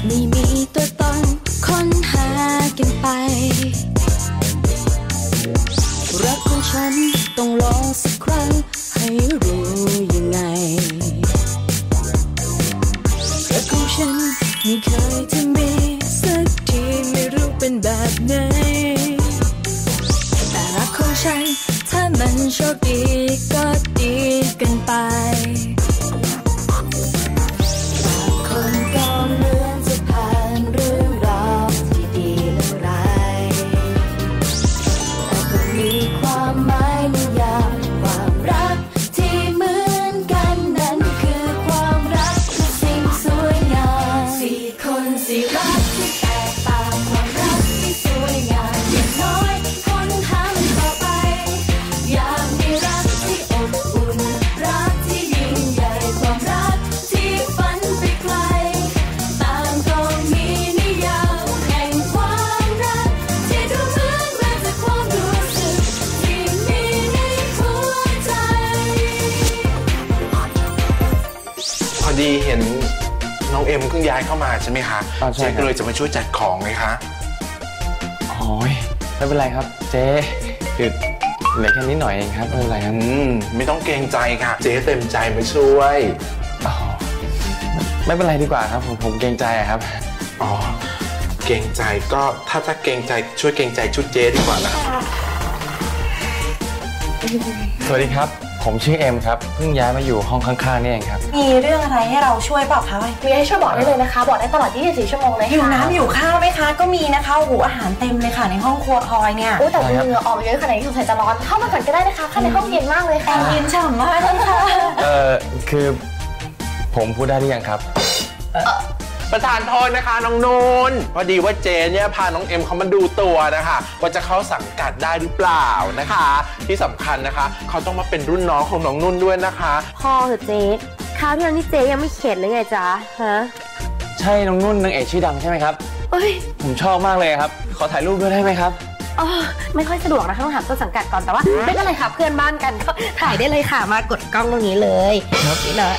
ไม่มีตัวตนค้นหากันไปรักของฉันต้องลองสักครั้งให้รู้ยังไงรักของฉันไม่เคยจะมีสักทีไม่รู้เป็นแบบไหนแต่รักของฉันถ้ามันโชคดีก็ดีกันไปคนก็เหมือนจะผ่านเรื่องราวที่ดีและร้ายแต่ก็มีความหมายในยามความรักที่เหมือนกันนั้นคือความรักคือสิ่งสวยงามสี่คนสี่รักที่แตกต่างความรักที่สวยงามอย่างน้อยคนหามันต่อไปอยากมีรักที่อบอุ่นรักที่ยิ่งใหญ่ความรักที่ฝันไปไกลต่างก็มีนิยามแห่งความรักที่ดูเหมือนมาจากความรู้สึกที่มีในหัวใจพอดีเห็นน้องเอ็มเพิ่งย้ายเข้ามาใช่ไหมคะเจ๊ก็เลยจะมาช่วยจัดของเลยคะโอ้ยไม่เป็นไรครับเจ๊คือเหลือแค่นิดหน่อยเองครับไม่เป็นไรครับไม่ต้องเกรงใจค่ะเจ๊เต็มใจมาช่วยไม่เป็นไรดีกว่าครับผมเกรงใจครับอ๋อเกรงใจก็ถ้าเกรงใจช่วยเกรงใจชุดเจ๊ดีกว่านะสวัสดีครับผมชื่อเอ็มครับเพิ่งย้ายมาอยู่ห้องข้างๆนี่เองครับมีเรื่องอะไรให้เราช่วยเปล่าคะมีให้ช่วยบอกได้เลยนะคะบอกได้ตลอด24 ชั่วโมงเลยหิวน้ำหิวข้าวไหมคะก็มีนะคะโอ้โหอาหารเต็มเลยค่ะในห้องครัวพลอยเนี่ยแต่เหงื่อออกเยอะขนาดนี้สงสัยจะร้อนเข้ามาก่อนก็ได้นะคะข้างในห้องเย็นมากเลยค่ะเย็นฉ่ำมากเลยค่ะคือผมพูดได้หรือยังครับประธานโทษนะคะน้องนุ่นพอดีว่าเจเนี่ยพาน้องเอ็มเขามาดูตัวนะคะว่าจะเข้าสังกัดได้หรือเปล่านะคะที่สำคัญนะคะเขาต้องมาเป็นรุ่นน้องของน้องนุ่นด้วยนะคะพ่อเหรอเจ๊คราวที่แล้วนี่เจ๊ยังไม่เข็ดเลยไงจ๊ะฮะใช่น้องนุ่นนางเอกชื่อดังใช่ไหมครับผมชอบมากเลยครับขอถ่ายรูปด้วยได้ไหมครับไม่ค่อยสะดวกนะต้องถามต้นสังกัดก่อนแต่ว่าไม่เป็นไรค่ะเพื่อนบ้านกันก็ถ่ายได้เลยค่ะมากดกล้องตรงนี้เลยนี่เลย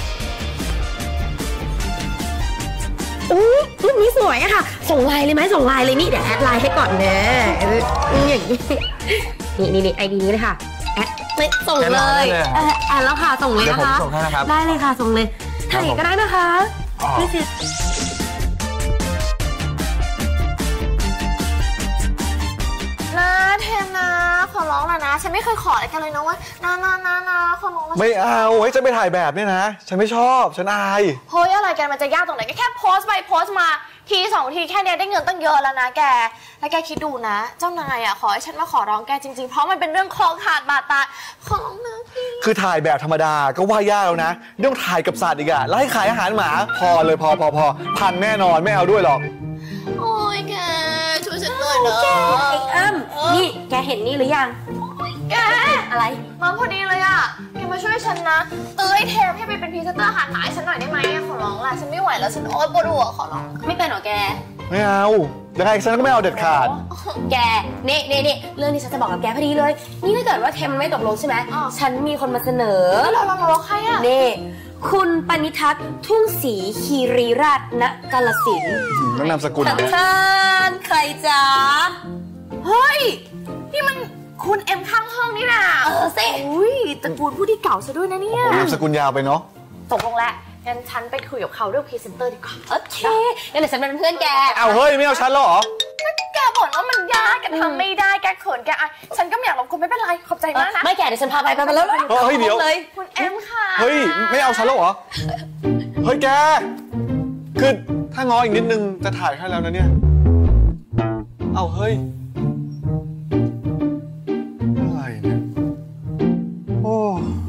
รูปนี้สวยอะค่ะส่งไลน์เลยไหมส่งไลน์เลยนี่เดี๋ยวแอดไลน์ให้ก่อนนะอย่างนี้นี่ไอดีนี้เลยค่ะแอดไม่ส่งเลยแอดแล้วค่ะส่งเลยนะคะได้เลยค่ะส่งเลยถ่ายก็ได้นะคะไม่เสียนะเทมนะขอร้องแล้วนะฉันไม่เคยขออะไรกันเลยนะว่านะขอร้องไม่เอาให้ฉันไปถ่ายแบบเนี่ยนะฉันไม่ชอบฉันอายเฮ้ยอะไรกันมันจะยากตรงไหนก็แค่โพสต์ไปโพสต์มาที2 ทีแค่นี้ได้เงินตั้งเยอะแล้วนะแกแล้วแกคิดดูนะเจ้านายอ่ะขอให้ฉันมาขอร้องแกจริงๆเพราะมันเป็นเรื่องคอขาดบาดตายขอร้องนะพี่คือถ่ายแบบธรรมดาก็ว่ายากแล้วนะต้องถ่ายกับสัตว์อีกอะแล้วให้ขายอาหารหมาพอเลยพอพันแน่นอนไม่เอาด้วยหรอกโอ้ยแกช่วยฉันหน่อยนะไอ้อ้ำนี่แกเห็นนี่หรือยังแกอะไรมาพอดีเลยอ่ะแกมาช่วยฉันนะไอ้เทมให้ไปเป็นพรีเซนเตอร์อาหารหมาให้ฉันหน่อยได้ไหมขอร้องล่ะฉันไม่ไหวแล้วฉันโอ๊ยปวดหัวขอร้องไม่เป็นหรอแกไม่เอายังไงฉันก็ไม่เอาเด็ดขาดแกนี่เรื่องนี้ฉันจะบอกกับแกพอดีเลยนี่ถ้าเกิดว่าเทมไม่ตกลงใช่ไหมฉันมีคนมาเสนอเราใครอ่ะนี่คุณปณิทัศน์ทุ่งศรีคีรีราชณกาฬสินธุ์ต้องนามสกุลท่านใครจ๊ะเฮ้ยนี่มันคุณเอ็มข้างห้องนี่นะสิตระกูลผู้ที่เก่าซะด้วยนะเนี่ยนามสกุลยาวไปเนาะตกลงแล้วงั้นฉันไปคุยกับเขาเรื่องพรีเซนเตอร์ดีกว่าโอเคงั้นเดี๋ยวฉันเป็นเพื่อนแกเอาเฮ้ยไม่เอาฉันหรอแกบ่นว่ามันยากแกทำไม่ได้แกเขินแกฉันก็ไม่อยากรบกวนไม่เป็นไรขอบใจมากนะไม่แกเดี๋ยวฉันพาไปแล้วเฮ้ยเดี๋ยวเลยคุณเอ็มค่ะเฮ้ยไม่เอาฉันหรอเฮ้ยแกคือถ้าง้ออีกนิดนึงจะถ่ายให้แล้วนะเนี่ยเอาเฮ้ยอะไรเนี่ยโอ้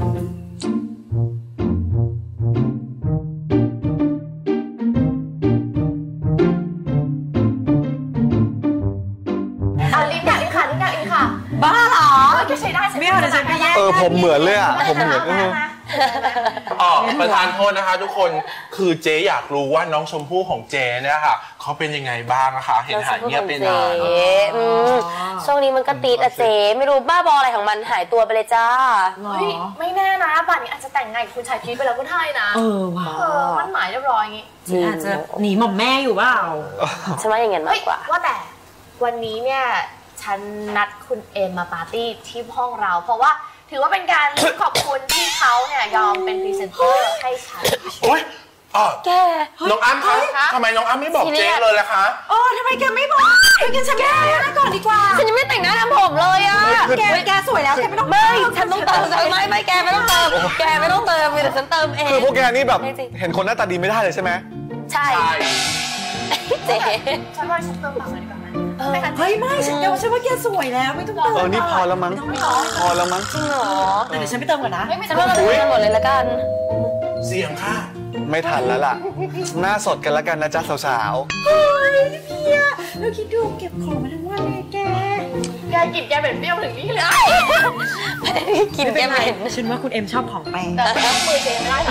บ้าเหรอแกใช้ได้ไม่เอาเดี๋ยวฉันไปแย่ผมเหมือนเลยอ่ะผมเหมือนประธานโทษนะคะทุกคนคือเจ๊อยากรู้ว่าน้องชมพู่ของเจ๊เนี่ยค่ะเขาเป็นยังไงบ้างนะคะเห็นหายเงียบไปนานช่วงนี้มันก็ติดอะเจ๊ไม่รู้บ้าบออะไรของมันหายตัวไปเลยจ้าไม่แน่นะป่านนี้อาจจะแต่งงานกับคุณชายพีชไปแล้วก็ได้นะว้ามันหมายเรียบร้อยอย่างงี้อาจจะหนีหม่อมแม่อยู่เปล่าฉันว่าอย่างงั้นมากกว่าว่าแต่วันนี้เนี่ยฉันนัดคุณเอมมาปาร์ตี้ที่ห้องเราเพราะว่าถือว่าเป็นการขอบคุณที่เขาเนี่ยยอมเป็นพรีเซนเตอร์ให้ฉันโอ๊ยแกน้องอ้ำคะทำไมน้องอ้ำไม่บอกเจ๊เลยล่ะคะทำไมแกไม่บอกกันฉันแต่งหน้าก่อนดีกว่าฉันยังไม่แต่งหน้าทำผมเลยอะแกสวยแล้วแกไม่ต้องฉันต้องเติมไม่แกไม่ต้องเติมแกไม่ต้องเติมมีแต่ฉันเติมเองคือพวกแกนี่แบบเห็นคนหน้าตาดีไม่ได้เลยใช่ไหมใช่เจ๊ฉันว่าฉันเติมปากเลยดีกว่าเฮ้ยไม่ฉันว่าแกสวยแล้วไม่ต้องเติมนี่พอแล้วมั้งพอแล้วมั้งจริงเหรอแต่เดี๋ยวฉันไปเติมก่อนนะฉันว่าเราไปเติมหมดเลยละกันเสียงค่ะไม่ทันแล้วล่ะหน้าสดกันแล้วกันนะจ๊ะสาวๆเฮ้ยพี่เราคิดดูเก็บของมาทั้งวันเลยแกกินแกเป็นเปรี้ยวถึงนี่เลยกินแกเป็นฉันว่าคุณเอ็มชอบของแปลกแต่มือเจไม่ได้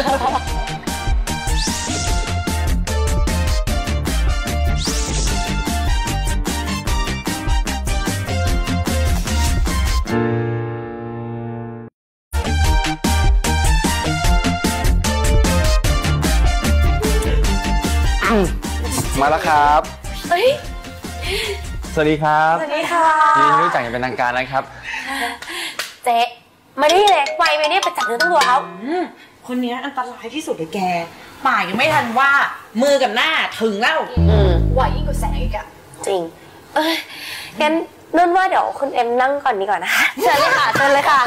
มาแล้วครับสวัสดีครับสวัสดีค่ะยินดีรู้จักอย่างเป็นทางการนะครับเจ๊มาดิเลยไวไปเนี่ยไปจับเนื้อต้องตัวเขาคนนี้อันตรายที่สุดเลยแกป่ายังไม่ทันว่ามือกับหน้าถึงแล้วไหวยิ่งกว่าแสงอีกอะจริงงั้นนุ่นว่าเดี๋ยวคุณเอ็มนั่งก่อนดีกว่านะคะเชิญเลยค่ะเชิญเลยค่ะ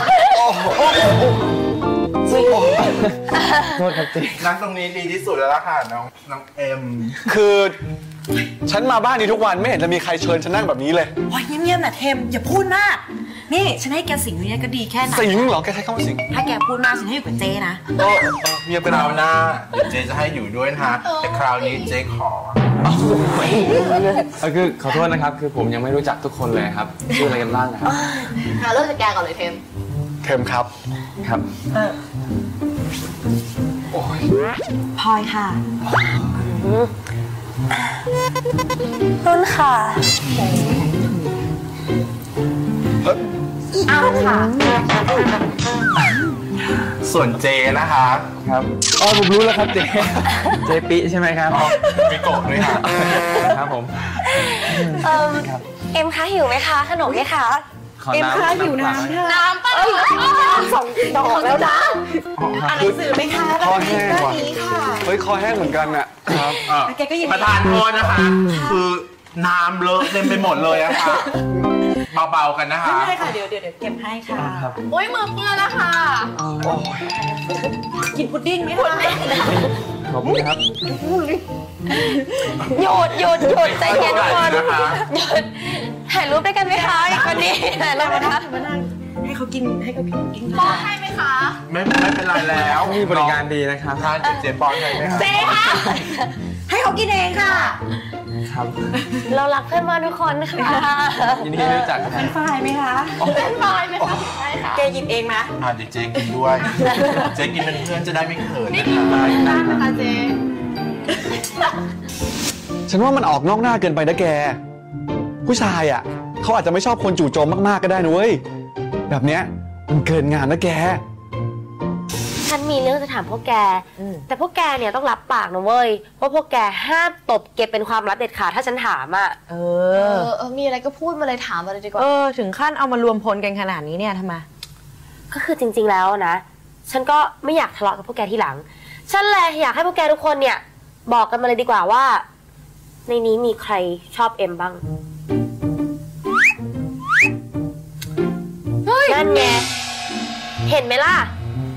โทษครับเจ๊นั่งตรงนี้ดีที่สุดแล้วล่ะค่ะน้องเอ็มคือฉันมาบ้านนี้ทุกวันไม่เห็นจะมีใครเชิญฉันนั่งแบบนี้เลยโอ้ยเงียบๆนะเทมอย่าพูดมากนี่ฉันให้แกสิงอยู่เนี่ยก็ดีแค่ไหนสิงเหรอแกใช้คำว่าสิงถ้าแกพูดมากฉันให้อยู่กับเจนะเงียบไปคราวหน้าเจจะให้อยู่ด้วยนะคะแต่คราวนี้เจขอคือขอโทษนะครับคือผมยังไม่รู้จักทุกคนเลยครับชื่ออะไรกันบ้างนะครับเริ่มจากแกก่อนเลยเทมครับโอ้ยพลอยค่ะนุ่นค่ะอ้าวค่ะส่วนเจนะคะครับผมรู้แล้วครับเจปิใช่ไหมครับปิโกะด้วยค่ะครับผมเอ็มคะหิวไหมคะขนมไหมคะเอ็มคะหิวน้ำป่ะ 2 ดอกแล้วนะอ่านหนังสือไหมคะคอแห้งว่ะเฮ้ยคอแห้งเหมือนกันอะครับประธานโทษนะคะคือน้ำเลอะเต็มไปหมดเลยอะค่ะเบาๆกันนะคะไม่ค่ะเดี๋ยวเก็บให้ค่ะโอ้ยมือเปื้อนแล้วค่ะกินพุดดิ้งไหมคะขอบคุณครับหยุดใจเย็นทุกคนหยุดถ่ายรูปด้วยกันไหมคะอีกคนนี้ถ่ายรูปนะคะให้เขากินป้อนให้ไหมคะไม่เป็นไรแล้วมีบริการดีนะครับทานเจป้อนให้ไหมคะเจค่ะให้เขากินเองค่ะครับเรารักเพื่อนมาทุกคนค่ะยินดีรู้จักเป็นฝ่ายไหมคะเป็นฝ่ายไหมคะใช่ค่ะแกหยิบเองนะเดี๋ยวเจกินด้วยเจกินเป็นเพื่อนจะได้ไม่เขินนี่กินได้นะคะเจฉันว่ามันออกนอกหน้าเกินไปนะแกผู้ชายอ่ะเขาอาจจะไม่ชอบคนจู่โจมมากๆก็ได้นะเว้ยแบบเนี้ยมันเกินงานนะแกฉันมีเรื่องจะถามพวกแกแต่พวกแกเนี่ยต้องรับปากนะเว้ยว่าพวกแกห้ามตบเก็บเป็นความลับเด็ดขาดถ้าฉันถามอ่ะมีอะไรก็พูดมาเลยถามมาเลยดีกว่าถึงขั้นเอามารวมพลกันขนาดนี้เนี่ยทำไมก็คือจริงๆแล้วนะฉันก็ไม่อยากทะเลาะกับพวกแกทีหลังฉันเลยอยากให้พวกแกทุกคนเนี่ยบอกกันมาเลยดีกว่าว่าในนี้มีใครชอบเอ็มบ้างนั่นไงเห็นไหมล่ะ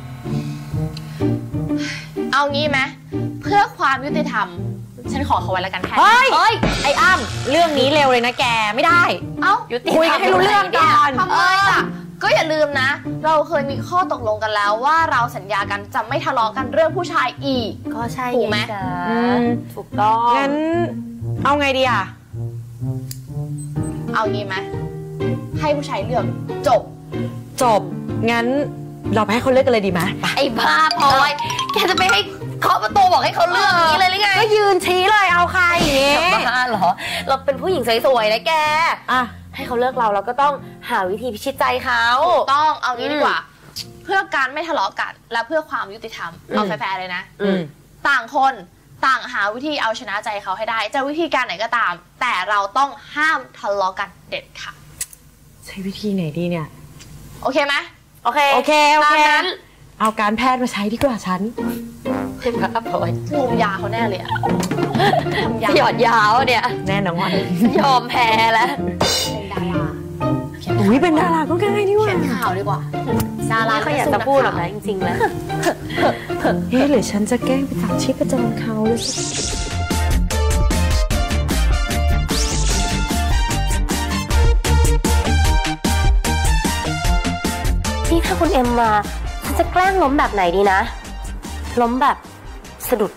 เอางี้ไหมเพื่อความยุติธรรมฉันขอเขาไว้แล้วกันแค่เฮ้ยไอ้อ้ำเรื่องนี้เร็วเลยนะแกไม่ได้คุยกันให้รู้เรื่องก่อนทำไมล่ะก็อย่าลืมนะเราเคยมีข้อตกลงกันแล้วว่าเราสัญญากันจะไม่ทะเลาะกันเรื่องผู้ชายอีกก็ใช่ถูกไหมถูกต้องงั้นเอาไงดีอ่ะเอางี้ไหมให้ผู้ชายเลือกจบงั้นเราไปให้เขาเลือกกันเลยดีไหมไอ้บ้าพลอยแกจะไปให้เคาะประตูบอกให้เขาเลือกอย่างนี้เลยหรือไงก็ยืนชี้เลยเอาใครอย่างงี้บ้าเหรอเราเป็นผู้หญิงสวยๆนะแกอ่ะให้เขาเลือกเราก็ต้องหาวิธีพิชิตใจเขาต้องเอางี้ดีกว่า เพื่อการไม่ทะเลาะกันและเพื่อความยุติธรรมเอาแฟร์ๆเลยนะต่างคนต่างหาวิธีเอาชนะใจเขาให้ได้จะวิธีการไหนก็ตาม แต่เราต้องห้ามทะเลาะกันเด็ดค่ะใช้วิธีไหนดีเนี่ยโอเคไหมโอเคโอเคตามนั้นเอาการแพทย์มาใช้ดีกว่าฉันเป็นพระพลอยลุมยาเขาแน่เลยอะหยอดยาวเนี่ยแน่นอนยอมแพ้แล้วเป็นดาราอุ้ยเป็นดาราก็ง่ายนี่หว่าเขียนข่าวดีกว่าดาราไม่ค่อยอยากจะพูดหรอกนะจริงๆแล้วเฮ้ยหรือฉันจะแกล้งไปจับชีพจรเขาหรือนี่ถ้าคุณเอ็มมาฉันจะแกล้งล้มแบบไหนดีนะ ล้มแบบสะดุด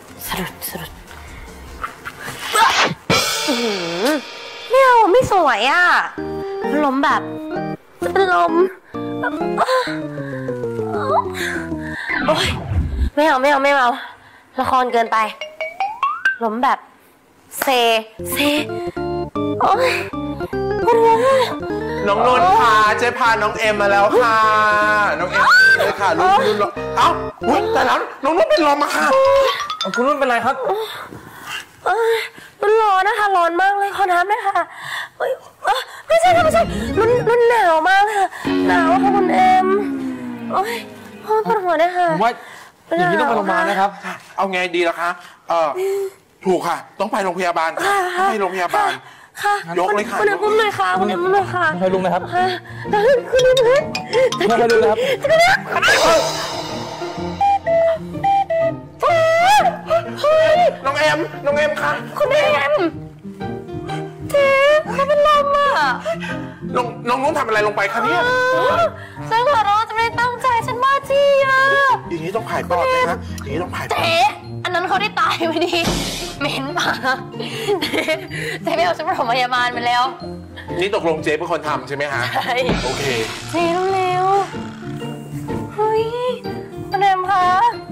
ไม่เอาไม่สวยอ่ะล้มแบบจะเป็นลมโอ๊ยไม่เอาละครเกินไป ล้มแบบเซโอ๊ยปวดหัวน้องนุ่นค่ะเจ๊พาน้องเอ็มมาแล้วค่ะน้องเอ็มเลยค่ะรุ่นเอ้าอุ๊ยแต่แล้วน้องนุ่นเป็นลมอะค่ะคุณนุ่นเป็นไรครับมันร้อนนะคะร้อนมากเลยขอน้ำด้วยค่ะไม่ใช่รุ่นหนาวมากค่ะหนาวค่ะคุณเอ็มโอ๊ยปวดหัวด้วยค่ะผมว่าอย่างนี้ต้องไปโรงพยาบาลนะครับเอาไงดีล่ะคะถูกค่ะต้องไปโรงพยาบาลค่ะต้องไปโรงพยาบาลค่ะยกเลยค่ะคุณเอ็มอุ้มเลยค่ะคุณเอ็มอุ้มเลยค่ะค่อยลุกนะครับคุณเอ็มเลยค่อยลุกนะครับน้องเอ็มค่ะคุณเอ็มเจ๊เขาเป็นลมอ่ะน้องนุ่นทำอะไรลงไปคะเนี่ยฉันขอร้องจะไม่ได้ตั้งใจฉันบ้าจี้อ่ะอย่างนี้ต้องผ่ายปอดไหมคะอย่างนี้ต้องผ่ายปอดเจ๊อันนั้นเขาได้ตายไปดีเหม็นปะเจ๊ไม่เอาฉันไปโรงพยาบาลไปแล้วนี่ตกลงเจ๊เป็นคนทำใช่ไหมฮะใช่โอเคเจ๊เร็วๆเฮ้ยคุณเอ็มคะ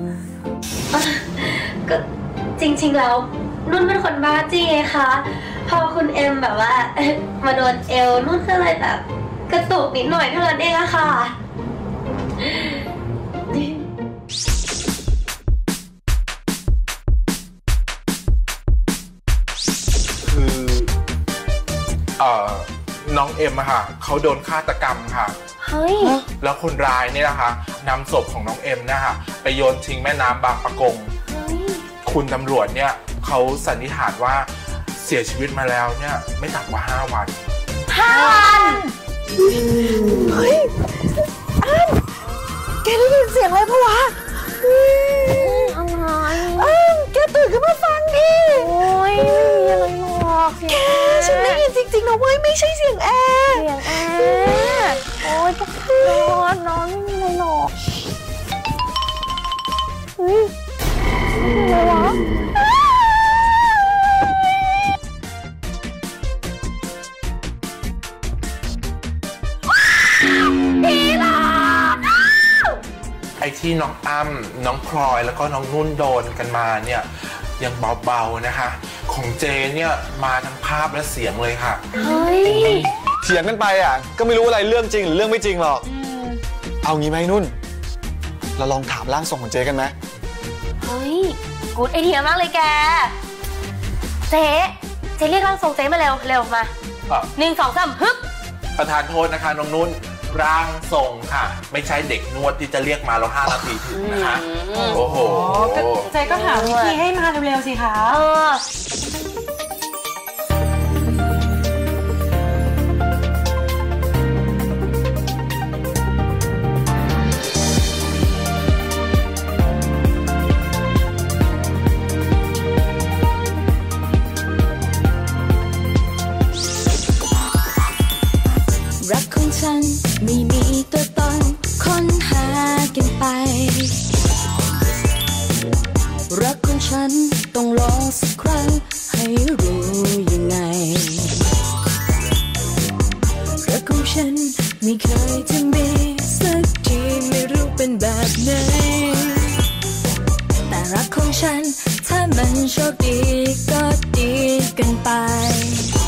ก็จริงๆแล้วนุ่นเป็นคนบ้าจี้ไงคะพอคุณเอ็มแบบว่ามาโดนเอวนุ่นก็เลยแบบกระตุกนิดหน่อยเท่านั้นเองอะค่ะน้องเอ็มอะค่ะเขาโดนฆาตกรรมค่ะเฮ้ยแล้วคนร้ายเนี่ยนะคะนำศพของน้องเอ็มนะคะไปโยนทิ้งแม่น้ำบางปะกง คุณตำรวจเนี่ยเขาสันนิษฐานว่าเสียชีวิตมาแล้วเนี่ยไม่ต่ำกว่า5 วันเฮ้ยแกได้ยินเสียงอะไรปะวะแกตื่นขึ้นมาฟังดิโอ้ยไม่มีอะไรหรอกแกฉันได้ยินจริงๆนะเว้ยไม่ใช่เสียงแอร์เสียงแอร์โอ้ยนอนไม่มีอะไรหรอกเฮ้ยอะไรวะไอ้ที่น้องอ้ำน้องพลอยแล้วก็น้องนุ่นโดนกันมาเนี่ยยังเบาๆนะคะของเจเนี่ยมาทั้งภาพและเสียงเลยค่ะเฮ้ยเถียงกันไปอ่ะก็ไม่รู้อะไรเรื่องจริงหรือเรื่องไม่จริงหรอกเอางี้ไหมนุ่นเราลองถามร่างทรงของเจ๊กันไหมเฮ้ยกูดไอเดียมากเลยแกเจ๊เรียกร่างทรงเจ๊มาเร็วมา1 2 3ฮึบประธานโทษนะคะน้องนุ่นร่างทรงค่ะ ไม่ใช่เด็กนวดที่จะเรียกมาแล้ว5 นาทีถึงนะคะโอ้โหเจ๊ก็หาวิธีให้มาเร็วๆสิคะรักของฉันไม่มีตัวตนค้นหากันไปรักของฉันต้องลองสักครั้งให้รู้ยังไงรักของฉันไม่เคยจะมีสักทีไม่รู้เป็นฉันถ้ามันโชคดีก็ดีกันไป